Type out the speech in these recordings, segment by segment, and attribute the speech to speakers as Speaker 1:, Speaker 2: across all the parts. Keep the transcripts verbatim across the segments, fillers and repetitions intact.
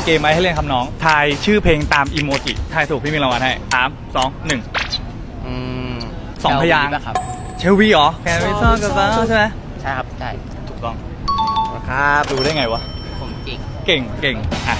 Speaker 1: กมไว้ให้เล่นครับน้องทายชื่อเพลงตามอีโมจิทายถูกพี่มีรางวัลให้สามสองหนึ่ง
Speaker 2: อืม
Speaker 1: สองพยางค์
Speaker 2: ครับ
Speaker 1: เชลวีเหรอแคนวิซอนกับบ้าใช่ไหม
Speaker 2: ใช่ครับใช่
Speaker 1: ถูกต้อง
Speaker 2: ครับ
Speaker 1: ดูได้ไงวะ
Speaker 2: ผมจริง
Speaker 1: เก่งเก่งอ่ะ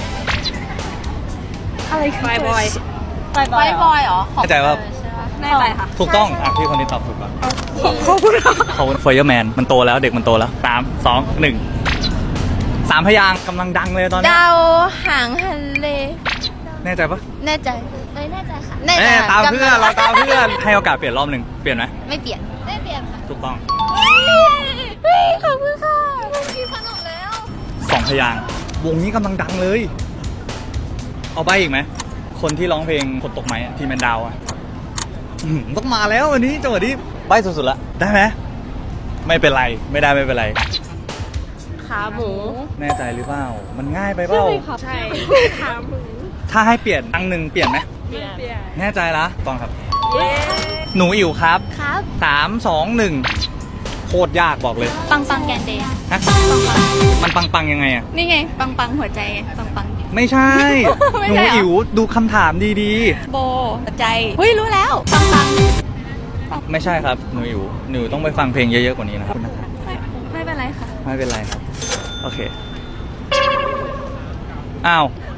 Speaker 3: อะไรคือ
Speaker 4: ไฟบอย
Speaker 3: ไฟบอย
Speaker 4: บอยเหรอ
Speaker 1: เข้าใจว่า
Speaker 4: แน่ใจค่ะ
Speaker 1: ถูกต้องอ่ะพี่คนนี้ตอบถูกก่อน
Speaker 3: ขอบคุณค่ะ
Speaker 1: เขาเฟย์แมนมันโตแล้วเด็กมันโตแล้วสามสองหนึ่งสามพยางค์กำลังดังเลยตอนนี้
Speaker 4: ดาวหางทะเล
Speaker 1: แน่ใจปะ
Speaker 4: แน่ใจเอ้ยแน่ใจค่ะแน่ใจ
Speaker 1: แน่ตามเพื่อน
Speaker 4: กำลัง
Speaker 1: เราตามเพื่อนให้โอกาสเปลี่ยนรอบหนึ่งเปลี่ยนไหม
Speaker 4: ไม่เปลี่ยนไม่เปลี่ยนค่ะ
Speaker 1: ถูกต้อง
Speaker 4: เฮ้ยขอบคุณค่ะมันกินขนมแล้ว
Speaker 1: สองพยางค์วงนี้กำลังดังเลย เอาใบอีกไหมคนที่ร้องเพลงคนตกไม้อะทีมแมนดาวอะอื้อหือต้องมาแล้ววันนี้จังหวะนี้ใบสุดๆละได้ไหมไม่เป็นไรไม่ได้ไม่เป็นไร
Speaker 4: ขาหมู
Speaker 1: แน่ใจหรือเปล่ามันง่ายไปเปล่า
Speaker 3: ใช่ขาหมู
Speaker 1: ถ้าให้เปลี่ยนอังหนึ่งเปลี่ยนไหม
Speaker 3: เปลี่ยนเปลี่ยน
Speaker 1: แน่ใจละตองครับ
Speaker 3: เย้
Speaker 1: หนูอิ๋วครับ
Speaker 4: ครับ
Speaker 1: สามสองหนึ่งโคตรยากบอกเลย
Speaker 4: ปังปังแกนเดย์
Speaker 1: ฮะมันปังปังๆยังไงอะ
Speaker 4: นี่ไงปังปังหัวใจไงปังปัง
Speaker 1: ไม่ใช่
Speaker 4: ไม่
Speaker 1: หนู
Speaker 4: ใช่เหรอ
Speaker 1: อิ๋วดูคำถามดี
Speaker 4: โบหัวใจเฮ้ยรู้แล้วปังปัง
Speaker 1: ๆ ไม่ใช่ครับหนูอิ๋วหนูต้องไปฟังเพลงเยอะๆกว่านี้นะครับ
Speaker 4: ไม่ไม่เป็นไรค่ะ
Speaker 1: ไม่เป็นไรครับ โอเค อ้าว